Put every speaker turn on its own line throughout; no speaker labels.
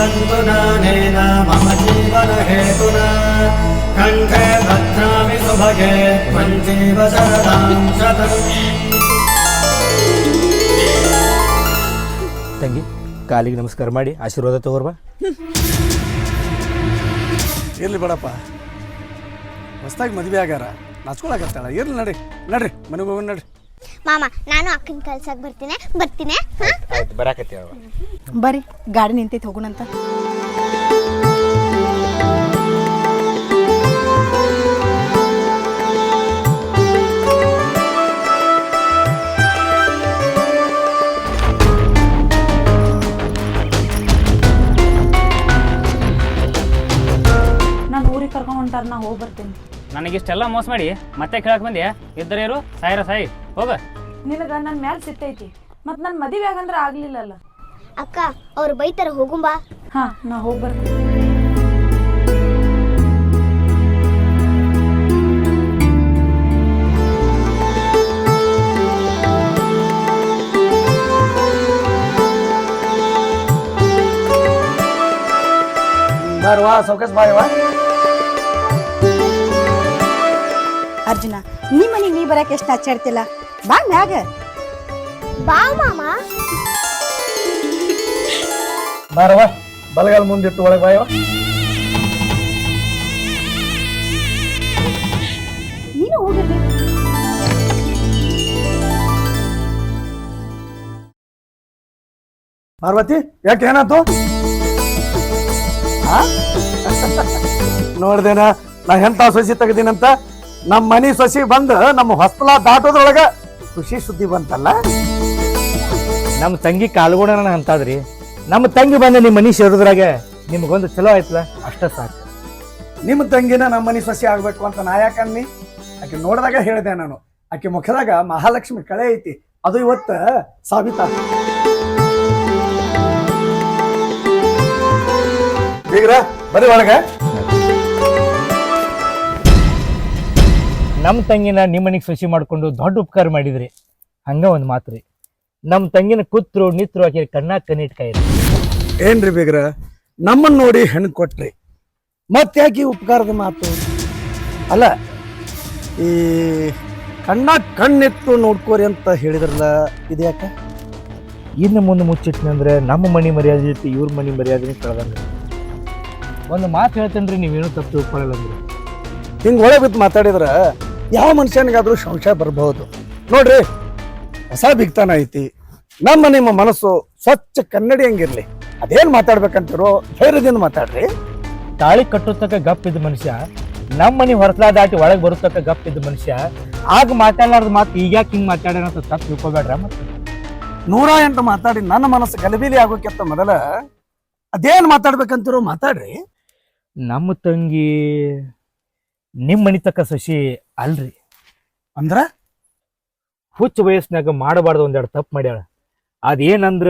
भवन्तु नानेन मम जीवन हेतुना कंठे भद्रामि सुभगे त्वं जीव शरदां शतम्
ತಂಗಿ ಕಾಲಿಗೆ ನಮಸ್ಕಾರ ಮಾಡಿ ಆಶೀರ್ವಾದ ತಗೋರ್ಬಾ.
ಇರ್ಲಿ ಬೇಡಪ್ಪ, ಹೊಸ್ದಾಗಿ ಮದುವೆ ಆಗ್ಯಾರ, ನಾಚ್ಕೊಳಕತ್ತಾಳ. ಇರ್ಲಿ ನಡ್ರಿ ನಡ್ರಿ ಮನೆಗೆ ಹೋಗೋಣ ನಡ್ರಿ.
ಮಾಮ ನಾನು ಅಕ್ಕನ ಕಳ್ಸಕ್ ಬರ್ತೀನಿ.
ಬರಾಕತ್ತಿ
ಬರ್ರಿ, ಗಾಡಿ ನಿಂತೈತಿ, ಹೋಗೋಣಂತ.
ನಾನು ಊರಿಗೆ ಕರ್ಕೊಂಡು ಹೊಂಟಾರ, ನಾ ಹೋಗಿ ಬರ್ತೀನಿ.
ನನಗಿಷ್ಟೆಲ್ಲ ಮೋಸ ಮಾಡಿ ಮತ್ತೆ ಕೇಳಕ್ ಬಂದ್ಯಾ? ಇದ್ದರೇರು ಸಾಯಿರ ಸಾಯಿ ಹೋಗ.
ನಿನಗ ನನ್ನ ಮ್ಯಾಲೆ ಸಿಟ್ಟೈತಿ, ಮತ್ತು ನನ್ನ ಮದುವೆ ಆಗಂದ್ರೆ ಆಗ್ಲಿಲ್ಲಲ್ಲ.
ಅಕ್ಕ ಅವ್ರು ಬೈತಾರ, ಹೋಗುಂಬಾ.
ಹಾ, ನಾ ಹೋಗಿ ಬರ್ತೀನಿ.
ಬಾರವಾ ಸೌಕಸ್ ಬಾರವಾ.
ಅರ್ಜುನ, ನಿಮ್ಮ ಮನೆಗೆ ನೀ ಬರಕ್ಕೆ ಎಷ್ಟು ಹಚ್ಚಾಡ್ತಿಲ್ಲ, ಬಾ ಮ್ಯಾಗ.
ಬಾ ಮಾಮ.
ಬಾರವಾ, ಬಲಗಾಲ ಮುಂದಿಟ್ಟು ಒಳಗೆ ಬಾಯವ.
ನೀನು ಹೋಗಿರ್ರಿ.
ಪಾರ್ವತಿ, ಯಾಕೆ ಏನಾಯ್ತು? ನೋಡ್ದೇನ ನಾ ಎಂತ ಸೊಸಿ ತೆಗ್ದೀನಂತ. ನಮ್ಮ ಮನಿ ಸೊಸಿ ಬಂದು ನಮ್ಮ ಹೊಸ್ತಲ ದಾಟೋದ್ರೊಳಗ ಖುಷಿ ಸುದ್ದಿ ಬಂತಲ್ಲ.
ನಮ್ಮ ತಂಗಿ ಕಾಲ್ಗೋಣ ಅಂತಾದ್ರಿ, ನಮ್ಮ ತಂಗಿ ಬಂದ ನಿಮ್ಮ ಮನಿ ಸೇರಿದ್ರಾಗ ನಿಮ್ಗೊಂದು ಚಲೋ ಆಯ್ತಲ್ಲ, ಅಷ್ಟ ಸಾಕು.
ನಿಮ್ಮ ತಂಗಿನ ನಮ್ಮ ಮನಿ ಸೊಸಿ ಆಗ್ಬೇಕು ಅಂತ ನಾ ಯಾಕನ್ನಿ? ಆಕೆ ನೋಡಿದಾಗ ಹೇಳಿದೆ ನಾನು, ಆಕೆ ಮುಖದಾಗ ಮಹಾಲಕ್ಷ್ಮಿ ಕಳೆ ಐತಿ, ಅದು ಇವತ್ತ ಸಾಬೀತ. ಬೀಗ್ರ ಬರೀ ಒಳಗ.
ನಮ್ಮ ತಂಗಿನ ನಿಮ್ಮ ಮನೆಗೆ ಸೊಸಿ ಮಾಡ್ಕೊಂಡು ದೊಡ್ಡ ಉಪಕಾರ ಮಾಡಿದ್ರಿ. ಹಂಗ ಒಂದು ಮಾತ್ರಿ, ನಮ್ಮ ತಂಗಿನ ಕೂತ್ರು ನಿತ್ರು ಆಕೆ ಕಣ್ಣಾಗ ಕಣ್ಣಿಟ್ಕಾಯಿರಿ.
ಏನ್ರಿ ಬೀಗ್ರ, ನಮ್ಮನ್ನ ನೋಡಿ ಹೆಣ್ಣು ಕೊಟ್ರಿ, ಮತ್ತ್ಯಾಕೆ ಉಪಕಾರದ ಮಾತು? ಅಲ್ಲ, ಈ ಕಣ್ಣಾಗ ಕಣ್ಣಿಟ್ಟು ನೋಡ್ಕೋರಿ ಅಂತ ಹೇಳಿದ್ರಲ್ಲ, ಇದ್ಯಾಕ?
ಇನ್ನು ಮುಂದೆ ಮುಚ್ಚಿಟ್ನಂದ್ರೆ ನಮ್ಮ ಮನೆ ಮರ್ಯಾದೆ ಇಟ್ಟು ಇವ್ರ ಮನೆ ಮರ್ಯಾದೆ ಕಳೆದಂಗ. ಒಂದು ಮಾತು ಹೇಳ್ತೇನ್ರಿ, ನೀವೇನು ತಪ್ಪು ತಿಳ್ಕೊಳ್ಳಲ್ಲ ಅಂದ್ರೆ.
ಹಿಂಗೆ ಒಳಗೆ ಬಿದ್ದು ಮಾತಾಡಿದ್ರ ಯಾವ ಮನುಷ್ಯನಿಗಾದ್ರೂ ಸಂಶಯ ಬರಬಹುದು. ನೋಡ್ರಿ, ಹೊಸ ಬಿಗ್ತಾನ ಐತಿ, ನಿಮ್ಮ ಮನಸ್ಸು ಸ್ವಚ್ಛ ಕನ್ನಡಿ ಹಂಗಿರ್ಲಿ. ಅದೇನ್ ಮಾತಾಡ್ಬೇಕಂತಿರೋ ಧೈರ್ಯದಿಂದ ಮಾತಾಡ್ರಿ.
ತಾಳಿ ಕಟ್ಟುತ್ತಕ್ಕ ಗಪ್ಪಿದ್ದ ಮನುಷ್ಯ ನಮ್ಮ ಮನೆ ಹೊರತಲ ದಾಟಿ ಒಳಗೆ ಬರುತ್ತಕ್ಕ ಗಪ್ಪಿದ್ದ ಮನುಷ್ಯ ಆಗ ಮಾತಾಡಲಾರ್ದ ಮಾತು ಈಗ್ಯಾಕೆ ಹಿಂಗೆ ಮಾತಾಡ್ಯಾನ ಅಂತ ತಪ್ಪು ತಿಳ್ಕೊಬೇಡ್ರ. ಮತ್ತೆ
108 ಮಾತಾಡಿ ನನ್ನ ಮನಸ್ಸು ಗಲಿಬಿಲಿ ಆಗೋಕ್ಕಿಂತ ಮೊದಲ ಅದೇನ್ ಮಾತಾಡ್ಬೇಕಂತಿರೋ ಮಾತಾಡ್ರಿ.
ನಮ್ಮ ತಂಗಿ ನಿಮ್ಮ ಮನಿ ತಕ್ಕ ಸಸಿ ಅಲ್ರಿ.
ಅಂದ್ರ
ಹುಚ್ಚ ವಯಸ್ಸಿನಾಗ ಮಾಡಬಾರ್ದು ಒಂದೆರಡು ತಪ್ಪು ಮಾಡ್ಯಾಳ. ಅದೇನಂದ್ರ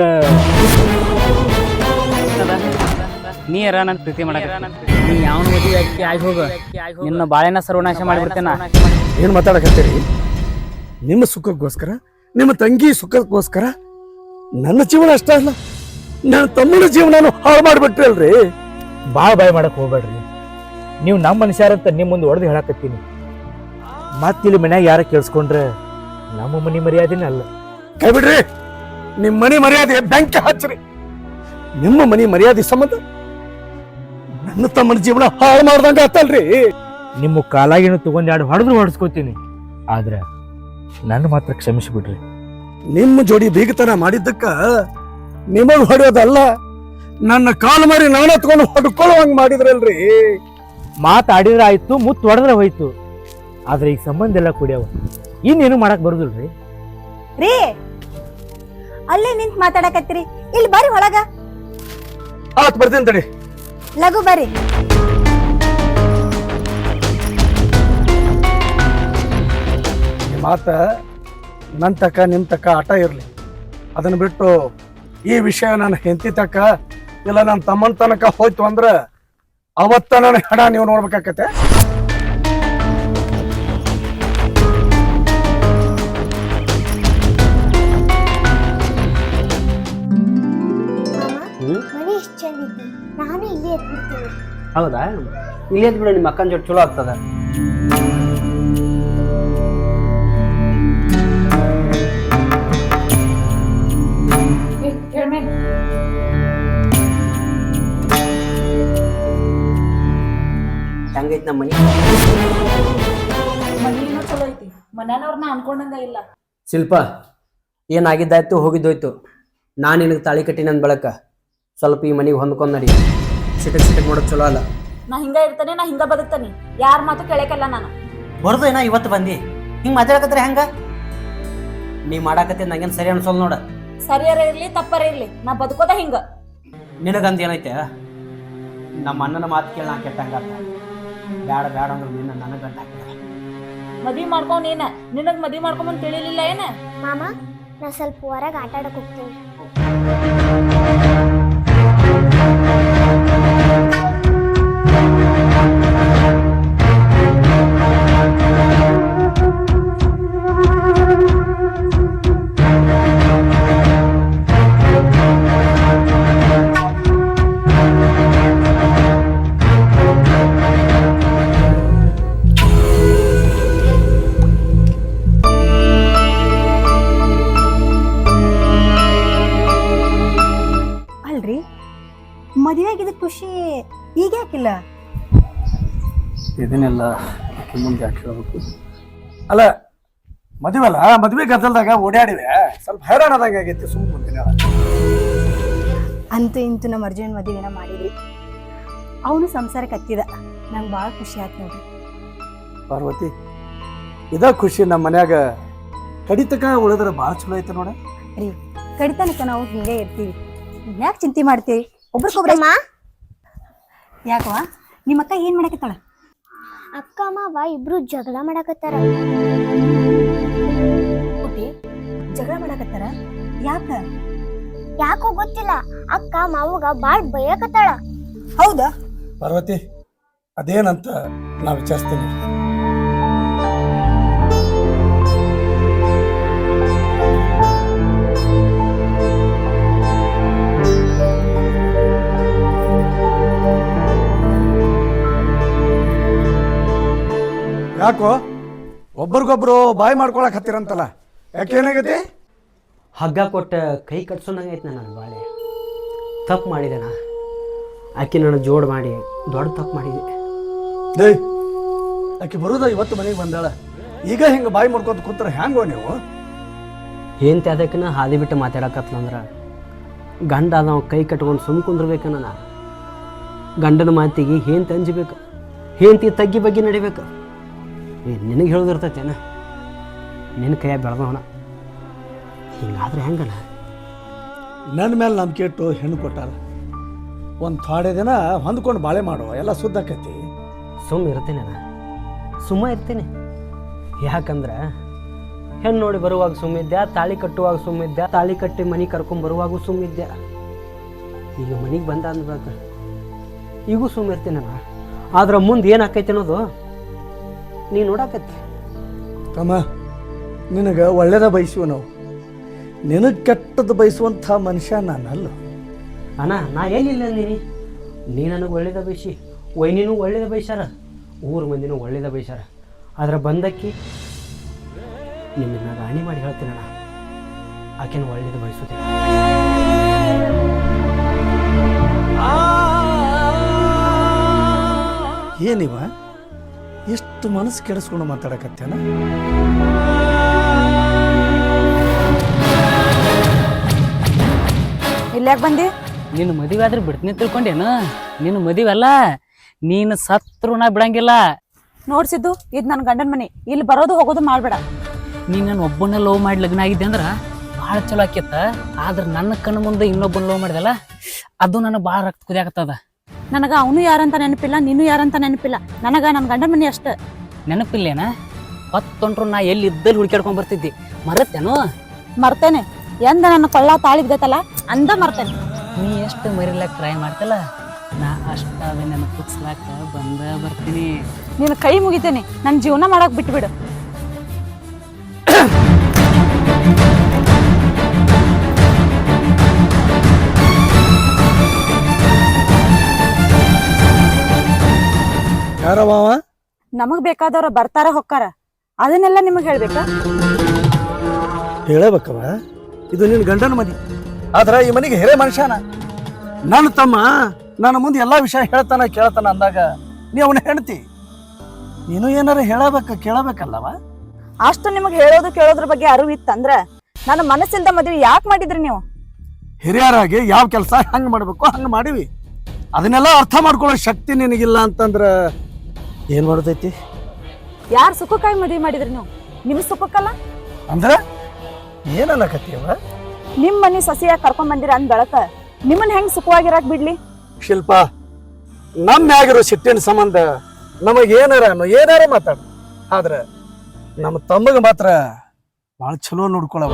ನೀ ಯಾರ ನನ್ನ ಪ್ರೀತಿ ಮಾಡಕ ನೀ ಯಾವನ ಮದುವೆ ಆಗಿ ಹೋಗ, ನಿನ್ನ ಬಾಳೆನ ಸರ್ವನಾಶ ಮಾಡಿಬಿಡ್ತೇನ.
ಏನ್ ಮಾತಾಡಕತ್ತೀರಿ? ನಿಮ್ಮ ಸುಖಕ್ಕೋಸ್ಕರ, ನಿಮ್ಮ ತಂಗಿ ಸುಖಕ್ಕೋಸ್ಕರ ನನ್ನ ಜೀವನ ಅಷ್ಟ ಅಲ್ಲ, ನನ್ನ ತಮ್ಮನ ಜೀವನ ಹಾಳು ಮಾಡಿಬಿಟ್ರಿ ಅಲ್ರಿ.
ಭಾಳ ಬಾಯ್ ಮಾಡಕ್ ಹೋಗ್ಬೇಡ್ರಿ. ನೀವು ನಮ್ಮ ಮನುಷ್ಯರಂತ ನಿಮ್ಮ ಮುಂದೆ ಹೊಡೆದು ಹೇಳಕತ್ತೀನಿ. ಮತ್ತಿಲ್ಲಿ ಮನ್ಯಾಗ ಯಾರ ಕೇಳಿಸ್ಕೊಂಡ್ರೆ ನಮ್ಮ ಮನೆ ಮರ್ಯಾದೆನೇ ಅಲ್ಲ.
ಕೈ ಬಿಡ್ರಿ, ನಿಮ್ಮ ಮನೆ ಮರ್ಯಾದೆ ಬೆಂಕಿ ಹಚ್ಚ್ರಿ. ನಿಮ್ಮ ಮನೆ ಮರ್ಯಾದೆ ಸಂಬಂಧ ನನ್ನ ತಮ್ಮನ ಜೀವನ ಹಾಳು ಮಾಡ್ದಂಗ ಆತಲ್ರಿ.
ನಿಮ್ಮ ಕಾಲಾಗಿನ ತಗೊಂಡ್ ಎರಡು ಹೊಡೆಸ್ಕೋತೀನಿ, ಆದ್ರೆ ನನ್ನ ಮಾತ್ರ ಕ್ಷಮಿಸಿಬಿಡ್ರಿ.
ನಿಮ್ಮ ಜೋಡಿ ಬೀಗತನ ಮಾಡಿದ್ದಕ್ಕ ನಿಮಗ್ ಹೊಡೆಯೋದಲ್ಲ, ನನ್ನ ಕಾಲು ಮಾರಿ ನಾನು ಹತ್ಕೊಂಡು ಹೊಡ್ಕೊಳ್ಳುವಂಗ ಮಾಡಿದ್ರಲ್ರಿ.
ಮಾತಾಡಿದ್ರೆ ಆಯ್ತು, ಮುತ್ತು ಹೊಡೆದ್ರೆ ಹೋಯ್ತು, ಆದ್ರೆ ಈಗ ಸಂಬಂಧ ಎಲ್ಲ ಕುಡಿಯವ, ಇನ್ನೇನು ಮಾಡಕ್ ಬರುದಿಲ್ರಿ.
ರೀ, ಅಲ್ಲೇ ನಿಂತ್ ಮಾತಾಡಕತ್ತೀರಿ, ಇಲ್ಲಿ ಬರ್ರಿ ಒಳಗ.
ಆತ್ ಬರ್ತೀನಿ ತಡಿ.
ಲಘು ಬರ್ರಿ.
ಮಾತ ನನ್ನ ತಕ್ಕ ನಿಮ್ ತಕ್ಕ ಆಟ ಇರ್ಲಿ, ಅದನ್ನ ಬಿಟ್ಟು ಈ ವಿಷಯ ನನ್ನ ಹೆಂಡತಿ ತಕ್ಕ ಇಲ್ಲ ನನ್ನ ತಮ್ಮನ ತನಕ ಹೋಯ್ತು ಅಂದ್ರ ಅವತ್ತ ನನ್ನ ಹಣ ನೀವು ನೋಡ್ಬೇಕಾಕತ್ತೆ.
ಮನೆ ಎಷ್ಟು ಚಂದ ಐತಿ. ನಾನು ಇಲ್ಲೇ ಎತ್ಬಿಡ್ತೀನಿ.
ಹೌದಾ? ಇಲ್ಲೇ ಬಿಡು, ನಿಮ್ಮ ಅಕ್ಕನ ಜೊತೆ ಚಲೋ ಆಗ್ತದ. ಹೆಂಗೈತಿ ನಮ್ಮ ಮನಿ?
ಮನಿನೂ ಚಲೋ ಐತಿ, ಮನ್ಯಾನವ್ರನ್ನ ಅನ್ಕೊಂಡಂಗ ಇಲ್ಲ.
ಶಿಲ್ಪ, ಏನಾಗಿದ್ದಾಯ್ತು ಹೋಗಿದ್ದೋಯ್ತು. ನಾನು ನಿನಗೆ ತಾಳಿ ಕಟ್ಟಿ ನನ್ನ ಬೆಳಕ ಸ್ವಲ್ಪ ಈ ಮನೆಗೆ ಹೊಂದ್ಕೊಂಡ್ ನಡಿ. ಸಿಟಕ್ ಮಾಡೋದು ಚಲೋ ಅಲ್ಲ.
ನಾ ಹಿಂಗ ಇರ್ತಾನೆ, ನಾ ಹಿಂಗ ಬದುಕ್ತಾನೆ, ಯಾರ ಮಾತು ಕೇಳಕಲ್ಲ ನಾನು.
ಬರೋದು ಏನೋ ಇವತ್ತು ಬಂದಿ ಹಿಂಗೆ ಮಾತಾಡಕತ್ರೆ ಹೆಂಗ? ನೀ ಮಾಡಾಕತ್ತೆ ನಂಗೇನು ಸರಿ ಅನ್ಸೋಲ್ ನೋಡ.
ಸರಿಯಾರ ಇರ್ಲಿ ತಪ್ಪರ ಇರ್ಲಿ, ನಾ ಬದುಕೋದ ಹಿಂಗ.
ನಿನಗಂತ ಏನೈತೆ? ನಮ್ಮ ಅಣ್ಣನ ಮಾತು ಕೇಳಿ ನಾ ಕೆಟ್ಟಂಗಾತ. ಬ್ಯಾಡ ಬ್ಯಾಡ ಅಂದ್ರೆ ನಿನ್ನ ನನಗೆ ಗಂಟ ಹಾಕಿದ.
ಮದ್ವಿ ಮಾಡ್ಕೊಂಡ್ ನೀನ, ನಿನಗ್ ಮದ್ವಿ ಮಾಡ್ಕೊಂಬಂದ್ ತಿಳಿಲಿಲ್ಲ ಏನ?
ಮಾಮ, ನಾ ಸ್ವಲ್ಪ ಹೊರಗೆ ಆಟ ಆಡಕ್ ಹೋಗ್ತೀನಿ.
ಅಲ್ರಿ, ಮದುವೆ ಆಗಿದ ಖುಷಿ ಈಗ ಯಾಕಿಲ್ಲ?
ಇದನ್ನೆಲ್ಲ ಮುಂದೆ ಯಾಕೆ ಹೇಳ್ಬೇಕು? ಅಲ್ಲ, ಮದುವೆಲ್ಲ ಮದುವೆ ಗದ್ದಲ್ದಾಗ ಓಡಾಡಿವೆ, ಸ್ವಲ್ಪ ಹೈರಾಣದಂಗೆ ಆಗೈತಿ. ಸುಮ್ಮನೆ ಮುಂದಿನ
ಅಂತೂ ಇಂತೂ ನಮ್ಮ ಅರ್ಜುನ್ ಮದುವೆನ ಮಾಡಿದ್ರಿ. ಅವನು ಸಂಸಾರಕ್ಕೆ ಹತ್ತಿದ, ನಂಗೆ ಭಾಳ ಖುಷಿ ಆಯ್ತು ನೋಡ್ರಿ.
ಪಾರ್ವತಿ, ಇದ ಖುಷಿ ನಮ್ಮ ಮನ್ಯಾಗ ಕಡಿತಕ ಉಳಿದ್ರೆ ಭಾಳ ಚಲೋ ಐತೆ ನೋಡ.
ರೀ, ಕಡಿತನಕ ನಾವು ಹಿಂಗೆ ಇರ್ತೀವಿ, ಯಾಕೆ ಚಿಂತೆ ಮಾಡ್ತೀವಿ? ಒಬ್ರಿಗೊಬ್ರ ಯಾಕವಾ? ನಿಮ್ಮ ಅಕ್ಕ ಏನ್ ಮಾಡಕತ್ತಾಳ?
ಅಕ್ಕ ಮಾವ ಇಬ್ರು ಜಗಳ ಮಾಡಕತ್ತಾರ.
ಓಕೆ, ಜಗಳ ಮಾಡಕತ್ತಾರ?
ಯಾಕೋ ಗೊತ್ತಿಲ್ಲ, ಅಕ್ಕ ಮಾವಗ ಬಾಳ್ ಬೈಯಕತ್ತಾಳ.
ಹೌದಾ?
ಪಾರ್ವತಿ, ಅದೇನಂತ ನಾ ವಿಚಾರಿಸ್ತೀನಿ. ಯಾಕೋ ಒಬ್ರಿಗೊಬ್ರು ಬಾಯಿ ಮಾಡ್ಕೊಳಕ್ ಹತ್ತಿರಂತಲ್ಲ, ಯಾಕೇನಾಗೈತಿ?
ಹಗ್ಗ ಕೊಟ್ಟು ಕೈ ಕಟ್ಸೋದಂಗೈತೆ ನನ್ನ ಬಾಳೆ. ತಪ್ಪು ಮಾಡಿದೆ ನಾ. ಆಕೆ ನನ್ನ ಜೋಡ್ ಮಾಡಿ ದೊಡ್ಡ ತಪ್ಪು ಮಾಡಿದೆ.
ಡೇ, ಆಕೆ ಬರೋದ ಇವತ್ತು ಮನೆಗೆ ಬಂದಾಳ, ಈಗ ಹಿಂಗೆ ಬಾಯಿ ಮಾಡ್ಕೊತ ಕೂತ್ರ ಹ್ಯಾಂಗೋ ನೀವು?
ಏನ್ ಅದಕ್ಕನ ಹಾದಿ ಬಿಟ್ಟು ಮಾತಾಡಕತ್ಲಂದ್ರೆ ಗಂಡ ನಾವು ಕೈ ಕಟ್ಕೊಂಡು ಸುಮ್ ಕುಂದ್ರಬೇಕನ್ನ ನಾ. ಗಂಡನ ಮಾತಿಗೆ ಹೇಂತ ಅಂಜಬೇಕು, ಹೇಂತಿ ತಗ್ಗಿ ಬಗ್ಗೆ ನಡಿಬೇಕು. ನಿನಗೆ ಹೇಳೋದಿರ್ತೈತೇನ? ನಿನ್ನ ಕೈಯಾಗ ಬೆಳೆದವನ ಹಿಂಗಾದ್ರೆ ಹೆಂಗನ?
ನನ್ನ ಮೇಲೆ ನಂಬಿಕೆ ಇಟ್ಟು ಹೆಣ್ಣು ಕೊಟ್ಟಾರ. ಒಂದು ಥೋಡೆ ದಿನ ಹೊಂದ್ಕೊಂಡು ಬಾಳೆ ಮಾಡುವ, ಎಲ್ಲ ಸುದ್ದಾಕೈತಿ.
ಸುಮ್ಮ ಇರ್ತೇನೆ ನಾ, ಸುಮ್ಮ ಇರ್ತೇನೆ. ಯಾಕಂದ್ರೆ ಹೆಣ್ಣು ನೋಡಿ ಬರುವಾಗ ಸುಮ್ಮಿದ್ದೆ, ತಾಳಿ ಕಟ್ಟುವಾಗ ಸುಮ್ಮಿದ್ದೆ, ತಾಳಿ ಕಟ್ಟಿ ಮನೆ ಕರ್ಕೊಂಡು ಬರುವಾಗೂ ಸುಮ್ಮಿದ್ದೆ. ಈಗ ಮನೆಗೆ ಬಂದ ಅಂದ್ಬೇಕು ಈಗೂ ಸುಮ್ಮಿರ್ತೀನಿ ನಾ. ಆದ್ರೆ ಮುಂದೆ ಏನು ಆಕೈತಿ ಅನ್ನೋದು ನೀ ನೋಡಾಕತ್ತಿ.
ತಮ್ಮ, ನಿನಗೆ ಒಳ್ಳೇದ ಬಯಸುವ ನಾವು, ನಿನಗೆ ಕೆಟ್ಟದ್ದು ಬಯಸುವಂಥ ಮನುಷ್ಯ ನಾನಲ್ಲ.
ಅಣ್ಣ, ನಾ ಏನಿಲ್ಲ ಅಂದೀನಿ. ನೀ ನನಗೆ ಒಳ್ಳೇದ ಬಯಸಿ, ವೈನಿನೂ ಒಳ್ಳೇದ ಬಯಸ್ಯಾರ, ಊರ ಮಂದಿನೂ ಒಳ್ಳೇದ ಬಯಸ್ಯಾರ. ಆದ್ರೆ ಬಂದಕ್ಕಿ ನಿಮ್ಮನ್ನ ರಾಣಿ ಮಾಡಿ ಹೇಳ್ತೀನಣ್ಣ, ಆಕೆನ ಒಳ್ಳೇದು ಬಯಸುತ್ತೆ.
ಏನಿವ ಎಷ್ಟು ಮನಸ್ಸು ಕೆಡಿಸ್ಕೊಂಡು ಮಾತಾಡಕತ್ತೇನ?
ಇಲ್ಲಾಕ್ ಬಂದಿ?
ನೀನು ಮದುವೆ ಆದ್ರೆ ಬಿಡ್ತೀನಿ ತಿಳ್ಕೊಂಡೇನು? ನೀನು ಮದುವೆ ಅಲ್ಲ, ನೀನು ಸತ್ರು ನಾ ಬಿಡಂಗಿಲ್ಲ.
ನೋಡ್ಸಿದ್ದು ಇದ್ ನನ್ ಗಂಡನ ಮನೆ, ಇಲ್ಲಿ ಬರೋದು ಹೋಗೋದು ಮಾಡ್ಬೇಡ.
ನೀ ನನ್ನ ಒಬ್ಬನ ಲವ್ ಮಾಡಿ ಲಗ್ನ ಆಗಿದ್ದೆ ಅಂದ್ರೆ ಭಾಳ ಚಲೋ ಆಕೇತ. ಆದ್ರೆ ನನ್ನ ಕಣ್ಣು ಮುಂದೆ ಇನ್ನೊಬ್ಬನ ಲವ್ ಮಾಡಿದಲ್ಲ, ಅದು ನನಗೆ ಭಾಳ ರಕ್ತ ಕುದಿಯಾಕತ್ತದ.
ನನಗ ಅವನು ಯಾರಂತ ನೆನಪಿಲ್ಲ, ನೀನು ಯಾರಂತ ನೆನಪಿಲ್ಲ. ನನಗ ನನ್ನ ಗಂಡನ ಮನೆ ಅಷ್ಟ
ನೆನಪಿಲ್ಲೇನ? ಹೊತ್ತೊಂಟ್ರು ನಾ ಎಲ್ಲಿ ಇದ್ದಲ್ಲಿ ಹುಡ್ಕ್ಯಾಡ್ಕೊಂಡ್ ಬರ್ತಿದ್ದಿ, ಮರತ್ತೇನು?
ಮರ್ತೇನೆ. ಎಂದ ನನ್ನ ಕೊಳ್ಳ ತಾಳಿದ್ದೈತಲ್ಲ ಅಂದ ಮರ್ತೇನೆ.
ನೀ ಎಷ್ಟು ಮರಿಲಾಕ ಟ್ರೈ ಮಾಡ್ತಲ್ಲ, ನಾ ಅಷ್ಟಾದ ನೆನಪಿಸ್ಲಾಕ ಬಂದ ಬರ್ತೀನಿ.
ನೀನು ಕೈ ಮುಗಿತೇನೆ, ನನ್ನ ಜೀವನ ಮಾಡಕ್ ಬಿಟ್ಬಿಡು.
ಯಾರವ ಅವ?
ನಮಗ್ ಬೇಕಾದವ್ರ ಬರ್ತಾರ ಹೊಕ್ಕಾರ ಅದನ್ನೆಲ್ಲ ನಿಮಗ್ ಹೇಳ್ಬೇಕಾ?
ಹೇಳಬೇಕವ, ಇದು ನಿನ್ನ ಗಂಡನ ಮನೆ. ಆದ್ರ ಈ ಮನೆಗೆ ಹಿರೇ ಮನುಷ್ಯನ. ನನ್ನ ತಮ್ಮ ನನ್ನ ಮುಂದೆ ಎಲ್ಲಾ ವಿಷಯ ಹೇಳ್ತಾನ ಕೇಳ್ತಾನ ಅಂದಾಗ ನೀ ಅವನ ಹೆಂಡತಿ, ನೀನು ಏನಾರ ಕೇಳಬೇಕಲ್ಲವ.
ಅಷ್ಟು ನಿಮಗ್ ಹೇಳೋದು ಕೇಳೋದ್ರ ಬಗ್ಗೆ ಅರಿವು ಇತ್ತಂದ್ರ ನನ್ನ ಮನಸ್ಸಿಲ್ದ ಮದ್ವೆ ಯಾಕೆ ಮಾಡಿದ್ರಿ ನೀವು?
ಹಿರಿಯರಾಗಿ ಯಾವ ಕೆಲಸ ಹಂಗ ಮಾಡ್ಬೇಕು ಹಂಗ ಮಾಡಿವಿ. ಅದನ್ನೆಲ್ಲ ಅರ್ಥ ಮಾಡ್ಕೊಳ್ಳೋ ಶಕ್ತಿ ನಿನಗಿಲ್ಲ ಅಂತಂದ್ರ ಏನ್ ಮಾಡ್ತೈತಿ?
ಯಾರ ಸುಖಕ್ಕಾಗಿ ಮದ್ವೆ ಮಾಡಿದ್ರಿ ನೀವು? ನಿಮ್ ಸುಖಕ್ಕಲ್ಲ.
ಅಂದ್ರ ಏನನ್ನಕತ್ತೀವ?
ನಿಮ್ ಮನಿ ಸೊಸೆಯಾಗಿ ಕರ್ಕೊಂಡ್ ಬಂದಿರ ಅಂದ್ ಬೆಳಕ ನಿಮ್ಮನ್ನ ಹೆಂಗ್ ಸುಖವಾಗಿರಾಕ್ ಬಿಡ್ಲಿ?
ಶಿಲ್ಪ, ನಮ್ಮ ಮ್ಯಾಗಿರೋ ಸಿಟ್ಟಿನ ಸಂಬಂಧ ಏನಾರ ಮಾತಾಡ, ಆದ್ರ ನಮ್ಮ ತಮ್ಮಗ ಮಾತ್ರ ಭಾಳ ಚಲೋ ನೋಡ್ಕೊಳವ.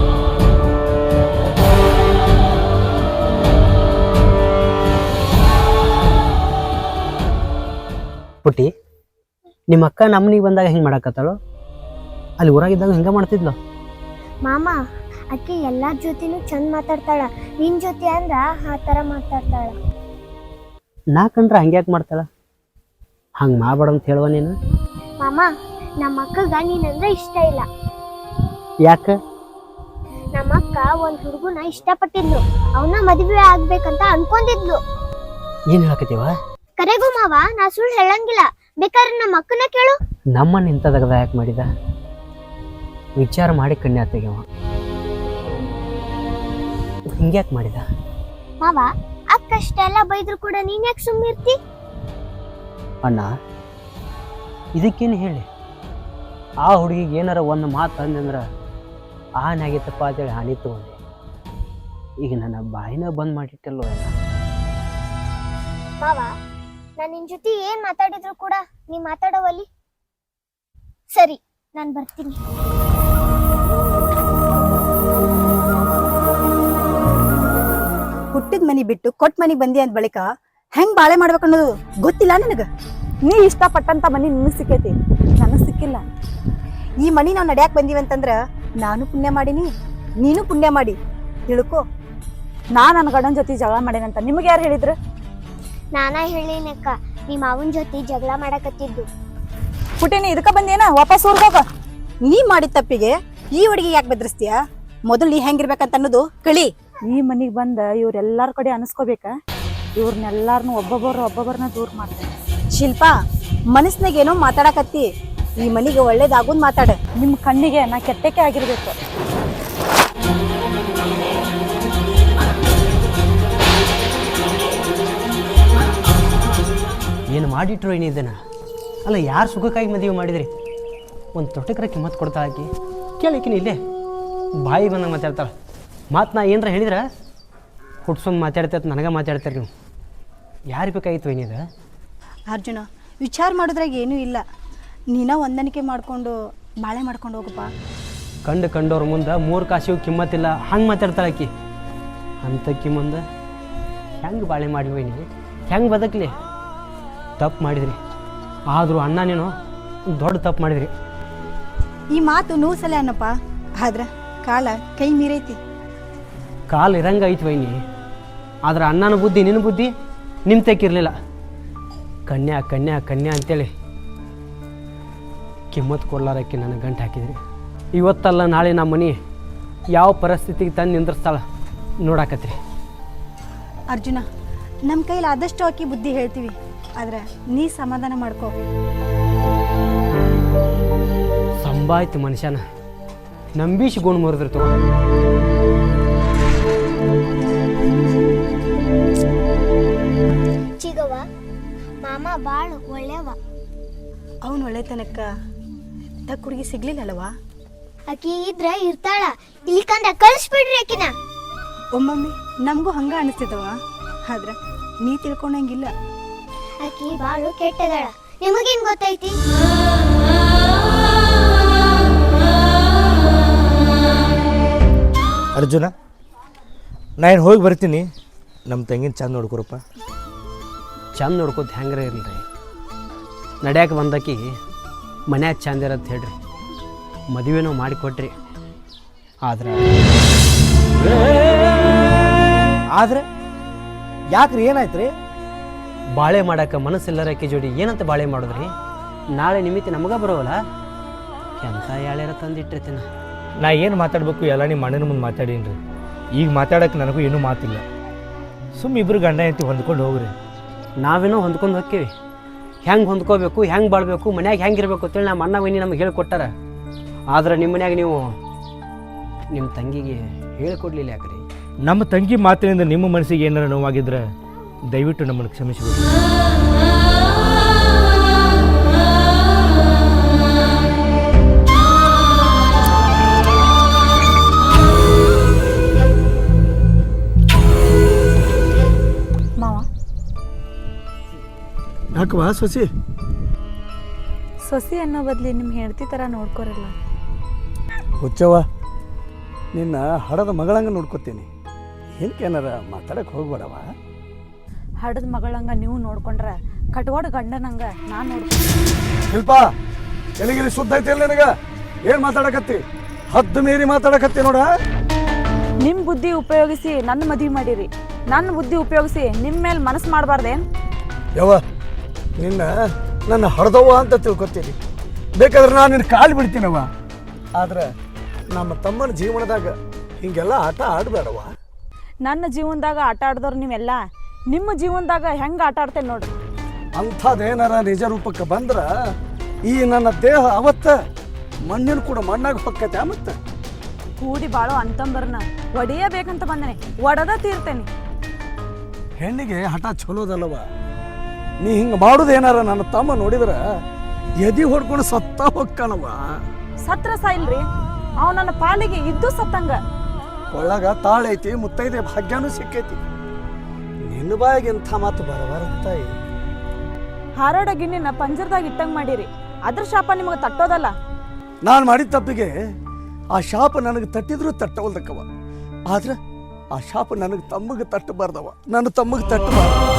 ಪುಟ್ಟಿ, ನಿಮ್ಮ ಅಕ್ಕ ನಮ್ಮನಿಗೆ ಬಂದಾಗ ಹೆಂಗೆ ಮಾಡಾಕತ್ತಾಳು? ಅಲ್ಲಿ ಊರಾಗಿದ್ದಾಗ ಹೆಂಗೆ ಮಾಡ್ತಿದ್ಲು?
ಮಾಮ ಅಕ್ಕಿ ಎಲ್ಲಾರ ಜೊತೆನೂ ಚಂದ ಮಾತಾಡ್ತಾಳ, ನಿನ್ ಜೊತೆ ಅಂದ್ರ ಆ ತರ ಮಾತಾಡ್ತಾಳ.
ನಾ ಕಂಡ್ರೆ ಹಂಗೆ ಯಾಕೆ ಮಾಡ್ತಾಳ? ಹಂಗೆ ಮಾಡಬೇಡ ಅಂತ ಹೇಳುವ ನೀನು.
ಮಾಮ ನಮ್ಮ ಅಕ್ಕಗ ನೀನಂದ್ರೆ ಇಷ್ಟ ಇಲ್ಲ.
ಯಾಕೆ?
ನಮ್ಮ ಅಕ್ಕ ಒಂದ್ ಹುಡುಗನ ಇಷ್ಟಪಟ್ಟಿದ್ಲು, ಅವನ ಮದುವೆ ಆಗ್ಬೇಕಂತ ಅನ್ಕೊಂಡಿದ್ಲು.
ಏನು ಹೇಳಕತ್ತೀವ?
ಕರೆಗೂ ಮಾವ, ನಾ ಸುಳ್ಳು ಹೇಳಂಗಿಲ್ಲ, ಬೇಕಾದ್ರೆ ನಮ್ಮ ಅಕ್ಕನ ಕೇಳು.
ನಮ್ಮನ್ನ ಇಂಥ ತಗದ ಯಾಕೆ ಮಾಡಿದ? ವಿಚಾರ ಮಾಡಿ ಕಣ್ಣೆ ತೆಗೆವ. ಹಿಂಗ್ಯಾಕೆ ಮಾಡಿದ?
ಮಾವ, ಅಕ್ಕ ಅಷ್ಟೆಲ್ಲ ಬೈದ್ರು ಕೂಡ ನೀನ್ ಯಾಕೆ ಸುಮ್ಮಿರ್ತಿ?
ಅಣ್ಣ, ಇದಕ್ಕೇನು ಹೇಳಿ, ಆ ಹುಡುಗಿಗೆ ಏನಾರ ಒಂದು ಮಾತು ಅಂದಂದ್ರೆ ಹಾನಿ ಆಗಿತ್ತಪ್ಪ ಅಂತೇಳಿ ಹಾನಿ ತಗೊಂಡೆ. ಈಗ ನನ್ನ ಬಾಯಿನ ಬಂದ್ ಮಾಡಿಟ್ಟಲ್ಲೋ ಎಲ್ಲ.
ಮಾವ, ನಾನ್ ನಿನ್ ಜೊತೆ ಏನ್ ಮಾತಾಡಿದ್ರು ಕೂಡ ನೀ ಮಾತಾಡೋವಲ್ಲಿ. ಸರಿ, ನಾನ್ ಬರ್ತೀನಿ.
ಹುಟ್ಟಿದ ಮನಿ ಬಿಟ್ಟು ಕೊಟ್ಟ ಮನಿಗ್ ಬಂದಿ ಅಂದ ಬಳಿಕ ಹೆಂಗ್ ಬಾಳೆ ಮಾಡ್ಬೇಕನ್ನೋದು ಗೊತ್ತಿಲ್ಲ ನಿನಗ?
ನೀ ಇಷ್ಟಪಟ್ಟಂತ ಮನಿ ನಿಮಗ್ ಸಿಕ್ಕೈತಿ, ನನಗ್ ಸಿಕ್ಕಿಲ್ಲ.
ಈ ಮನಿ ನಾವು ನಡ್ಯಾಕ್ ಬಂದೀವಿ ಅಂತಂದ್ರ ನಾನು ಪುಣ್ಯ ಮಾಡೀನಿ, ನೀನು ಪುಣ್ಯ ಮಾಡಿ ತಿಳ್ಕೊ.
ನಾ ನನ್ನ ಗಂಡನ ಜೊತೆ ಜಗಳ ಮಾಡೇನಂತ ನಿಮ್ಗೆ ಯಾರು ಹೇಳಿದ್ರು?
ನಾನಾ ಹೇಳಿನಕ್ಕ, ನಿಮ್ಮ ಅವನ್ ಜೊತೆ ಜಗಳ ಮಾಡಕತ್ತಿದ್ದು.
ಪುಟಿನಿ ಇದಕ್ಕ ಬಂದೇನ? ವಾಪಸ್ ಊರ್ಗ್ ಹೋಗ.
ನೀ ಮಾಡಿದ ತಪ್ಪಿಗೆ ಈ ಹುಡುಗಿ ಯಾಕೆ ಬೆದರಿಸ್ತೀಯ? ಮೊದಲು ನೀ ಹೆಂಗಿರ್ಬೇಕಂತ ಅನ್ನೋದು ಕಳಿ.
ಈ ಮನಿಗ್ ಬಂದ ಇವ್ರೆಲ್ಲಾರ ಕಡೆ ಅನಿಸ್ಕೋಬೇಕ? ಇವ್ರನ್ನೆಲ್ಲಾರನು ಒಬ್ಬೊಬ್ಬರನ್ನ ದೂರ ಮಾಡ್ತಾರೆ.
ಶಿಲ್ಪಾ, ಮನಸ್ನಾಗ ಏನೋ ಮಾತಾಡಕತ್ತಿ, ಈ ಮನಿಗೆ ಒಳ್ಳೇದಾಗೋದ್ ಮಾತಾಡ.
ನಿಮ್ ಕಣ್ಣಿಗೆ ನಾ ಕೆಟ್ಟಕ್ಕೆ ಆಗಿರ್ಬೇಕು.
ಏನು ಮಾಡಿಟ್ರು ಏನಿದ್ದೇನ? ಅಲ್ಲ, ಯಾರು ಸುಖಕ್ಕಾಗಿ ಮದುವೆ ಮಾಡಿದ್ರಿ? ಒಂದು ತೊಟ್ಟಕ್ರ ಕಿಮ್ಮತ್ತು ಕೊಡ್ತಾ ಹಾಕಿ ಕೇಳಿಕಿನಿ ಇಲ್ಲೇ ಬಾಯಿ ಬಂದಂಗೆ ಮಾತಾಡ್ತಾಳೆ. ಮಾತು ನಾ ಏನರ ಹೇಳಿದ್ರೆ ಹುಟ್ಸೊಂದು ಮಾತಾಡ್ತೈತೆ, ನನಗೆ ಮಾತಾಡ್ತಾರೆ. ನೀವು ಯಾರು ಬೇಕಾಗಿತ್ತು ಏನಿದೆ?
ಅರ್ಜುನ, ವಿಚಾರ ಮಾಡಿದ್ರಾಗ ಏನೂ ಇಲ್ಲ, ನೀನ ಹೊಂದಾಣಿಕೆ ಮಾಡ್ಕೊಂಡು ಬಾಳೆ ಮಾಡ್ಕೊಂಡು ಹೋಗಪ್ಪ.
ಕಂಡವ್ರ ಮುಂದೆ 3 ಕಾಸಿಗೂ ಕಿಮ್ಮತ್ತಿಲ್ಲ ಹಂಗೆ ಮಾತಾಡ್ತಾಳೆ ಆಕಿ. ಅಂಥಕ್ಕಿ ಮುಂದೆ ಹೆಂಗೆ ಬಾಳೆ ಮಾಡಿವಿ, ಹೆಂಗೆ ಬದುಕಲಿ? ತಪ್ಪು ಮಾಡಿದ್ರಿ, ಆದರೂ ಅಣ್ಣ ನೀನು ದೊಡ್ಡ ತಪ್ಪು ಮಾಡಿದ್ರಿ.
ಈ ಮಾತು 100 ಸಲ ಅನ್ನಪ್ಪ, ಆದ್ರೆ ಕಾಲ ಕೈ ಮೀರೈತಿ.
ಕಾಲು ಇರಂಗೆ ಐತಿ ವೈನಿ, ಆದ್ರೆ ಅಣ್ಣನ ಬುದ್ಧಿ ನಿನ್ನ ಬುದ್ಧಿ ನಿಮ್ಮ ತೆಕ್ಕಿರಲಿಲ್ಲ. ಕನ್ಯಾ ಕನ್ಯಾ ಕನ್ಯಾ ಅಂತೇಳಿ ಕಿಮ್ಮತ್ತು ಕೊಡ್ಲಾರಕ್ಕೆ ನನಗೆ ಗಂಟು ಹಾಕಿದ್ರಿ. ಇವತ್ತಲ್ಲ ನಾಳೆ ನಮ್ಮ ಮನೆ ಯಾವ ಪರಿಸ್ಥಿತಿಗೆ ತಂದು ನಿಂದ್ರಿಸ್ತಾಳ ನೋಡಾಕತ್ರಿ.
ಅರ್ಜುನ, ನಮ್ಮ ಕೈಲಿ ಆದಷ್ಟು ಹಾಕಿ ಬುದ್ಧಿ ಹೇಳ್ತೀವಿ, ಆದ್ರೆ ನೀ ಸಮಾಧಾನ ಮಾಡ್ಕೋ.
ಸಂಭಾಯ್ತು ಮನುಷ್ಯನ ನಂಬೀಶ್ ಗುಣ ಮುರಿದ್ರು ತಗೋ.
ಚಿಗವ, ಮಾಮ ಬಾಳ ಒಳ್ಳೆವ.
ಅವನು ಒಳ್ಳೆತನಕ್ಕ ತಕ್ಕ ಹುಡುಗಿ ಸಿಗ್ಲಿಲ್ಲಲ್ವಾ?
ಆಕಿ ಇದ್ರ ಇರ್ತಾಳ, ಇಲ್ಲಿಕಂದ್ರ ಕಳಿಸ್ಬಿಡ್ರಿ ಆಕಿನ.
ಒಮ್ಮೊಮ್ಮೆ ನಮಗೂ ಹಂಗ ಅನಿಸ್ತದವ, ಆದ್ರ ನೀ ತಿಳ್ಕೊಂಡಂಗಿಲ್ಲ.
ಆಕಿ ಬಾಳು ಕೆಟ್ಟದಾಳ, ನಿಮಗೇನ್ ಗೊತ್ತೈತಿ?
ಅರ್ಜುನ, ನಾ ಏನು ಹೋಗಿ ಬರ್ತೀನಿ. ನಮ್ಮ ತಂಗಿನ ಚಂದ ನೋಡ್ಕೊರಪ್ಪ.
ಚಂದ ನೋಡ್ಕೋತ ಹೆಂಗ್ರೆ ಇರಲಿ, ನಡ್ಯಾಕೆ ಬಂದಾಕಿ ಮನ್ಯಾಗ ಚಂದ ಇರತ್ತೆ ಹೇಳ್ರಿ, ಮದುವೆನೂ ಮಾಡಿಕೊಟ್ರಿ.
ಆದ್ರೆ ಯಾಕ್ರಿ, ಏನಾಯ್ತು ರೀ?
ಬಾಳೆ ಮಾಡಕ್ಕೆ ಮನಸ್ಸಿಲ್ಲರಕ್ಕೆ ಜೋಡಿ ಏನಂತ ಬಾಳೆ ಮಾಡಿದ್ರಿ? ನಾಳೆ ನಿಮಿತ್ತ ನಮಗ ಬರೋವಲ್ಲ ಎಂಥ ಯಾಳ್ಯಾರ ತಂದಿಟ್ಟಿರ್ತೀನಿ.
ನಾ ಏನು ಮಾತಾಡಬೇಕು ಎಲ್ಲ ನಿಮ್ಮ ಅಣ್ಣನ ಮುಂದೆ ಮಾತಾಡೀನಿ ರೀ. ಈಗ ಮಾತಾಡೋಕೆ ನನಗೂ ಏನೂ ಮಾತಿಲ್ಲ. ಸುಮ್ಮ ಇಬ್ಬರು ಗಂಡ ಹೆಂಡತಿ ಹೊಂದ್ಕೊಂಡು ಹೋಗ್ರಿ.
ನಾವೇನೋ ಹೊಂದ್ಕೊಂಡು ಹೋಗ್ತೀವಿ. ಹೆಂಗೆ ಹೊಂದ್ಕೋಬೇಕು, ಹೆಂಗೆ ಬಾಳ್ಬೇಕು, ಮನ್ಯಾಗ ಹೆಂಗೆ ಇರಬೇಕು ಅಂತೇಳಿ ನಮ್ಮ ಅಣ್ಣ ವೈನಿ ನಮ್ಗೆ ಹೇಳ್ಕೊಟ್ಟಾರ. ಆದ್ರೆ ನಿಮ್ಮ ಮನ್ಯಾಗ ನೀವು ನಿಮ್ಮ ತಂಗಿಗೆ ಹೇಳ್ಕೊಡ್ಲಿಲ್ಲ ಯಾಕ್ರಿ?
ನಮ್ಮ ತಂಗಿ ಮಾತಿನಿಂದ ನಿಮ್ಮ ಮನಸ್ಸಿಗೆ ಏನಾರ ನೋವಾಗಿದ್ರೆ ದಯವಿಟ್ಟು ನಮ್ಮನ್ನು ಕ್ಷಮಿಸಬೇಕು.
ಮಾವ
ಯಾಕವಾ ಸೊಸಿ?
ಸೊಸಿ ಅನ್ನೋ ಬದ್ಲಿ ನಿಮ್ಮ ಹೆಂಡತಿ ಥರ ನೋಡ್ಕೊರಲ್ಲ.
ಹುಚ್ಚವ, ನಿನ್ನ ಹಡದ ಮಗಳಂಗೆ ನೋಡ್ಕೊತೀನಿ. ಏನಕ್ಕೇನಾರ ಮಾತಾಡಕ್ಕೆ ಹೋಗ್ಬೇಡವ.
ಹಡದ ಮಗಳಂಗ ನೀವು ನೋಡ್ಕೊಂಡ್ರೆ ಕಟ್ವಾಡ ಗಂಡನಂಗ ನಾನು ನೋಡ್ತೀನಿ.
ಶಿಲ್ಪ, ಎಲ್ಲಿಗಿರಿ ಶುದ್ಧ ಐತಿ ಅಲ್ಲ ನಿನಗ? ಏನು ಮಾತಾಡಕತ್ತಿ? ಹದ್ದು ಮೀರಿ ಮಾತಾಡಕತ್ತಿ ನೋಡ.
ನಿಮ್ಮ ಬುದ್ಧಿ ಉಪಯೋಗಿಸಿ ನನ್ನ ಮದುವೆ ಮಾಡಿರಿ, ನನ್ನ ಬುದ್ಧಿ ಉಪಯೋಗಿಸಿ ನಿಮ್ಮ ಮೇಲೆ ಮನಸ್ಸು ಮಾಡಬಾರ್ದೇನು?
ಯವ್ವ, ನಿನ್ನ ನನ್ನ ಹಡ್ದವ್ವ ಅಂತ ತಿಳ್ಕೊತೀನಿ. ಬೇಕಾದ್ರೆ ನಾನು ನಿನ್ನ ಕಾಲು ಬಿಡ್ತೀನವ್ವ. ಆದ್ರೆ ನಮ್ಮ ತಮ್ಮನ ಜೀವನದಾಗ ಹಿಂಗೆಲ್ಲ ಆಟ ಆಡಬೇಡವ.
ನನ್ನ ಜೀವನದಾಗ ಆಟ ಆಡ್ದವ್ರು ನೀವೆಲ್ಲ ನಿಮ್ಮ ಜೀವನದಾಗ ಹೆಂಗೆ ಆಟ ಆಡ್ತೇನೆ ನೋಡ್ರಿ.
ಅಂಥದ್ದೇನಾರ ನಿಜ ರೂಪಕ್ಕೆ ಬಂದ್ರೆ ಈ ನನ್ನ ದೇಹ ಅವತ್ತ ಮಣ್ಣಿನ ಕೂಡ ಮಣ್ಣಾಗ ಹೊಕ್ಕೈತೆ. ಮತ್ತೆ
ಕೂಡಿ ಬಾಳೋ ಅಂತಂಬರ್ನ ಒಡೆಯಬೇಕಂತ ಬಂದನೆ, ಒಡೆದ ತೀರ್ತೇನೆ.
ಹೆಣ್ಣಿಗೆ ಹಠ ಚಲೋದಲ್ಲವ. ನೀ ಹಿಂಗೆ ಮಾಡೋದೇನಾರ ನನ್ನ ತಮ್ಮ ನೋಡಿದ್ರೆ ಎದಿ ಹೊಡ್ಕೊಂಡು ಸತ್ತ ಹೊಕ್ಕಣವ.
ಸತ್ರ ಸಾಯಿಲ್ರಿ, ಅವ ನನ್ನ ಪಾಲಿಗೆ ಇದ್ದು ಸತ್ತಂಗ.
ಒಳಗ ತಾಳೈತಿ, ಮುತ್ತೈದೆ ಭಾಗ್ಯನೂ ಸಿಕ್ಕೈತಿ. ನಿನ್ನ ಬಾಯಿಗೆ ಎಂಥ ಮಾತು ಬರಬಾರತ್ತಾಯಿ.
ಹಾರಾಡ ಗಿಣ್ಣಿನ ಪಂಜರದಾಗ ಇಟ್ಟಂಗ್ ಮಾಡಿರಿ, ಅದ್ರ ಶಾಪ ನಿಮಗೆ ತಟ್ಟೋದಲ್ಲ.
ನಾನು ಮಾಡಿದ ತಪ್ಪಿಗೆ ಆ ಶಾಪ ನನಗೆ ತಟ್ಟಿದ್ರು ತಟ್ಟವಲ್ದಕ್ಕವ. ಆದ್ರೆ ಆ ಶಾಪ ನನಗೆ ತಮ್ಮಗೆ ತಟ್ಟಬಾರ್ದವ. ನನ್ನ ತಮ್ಮಗೆ ತಟ್ಟಬಾರ್ದು.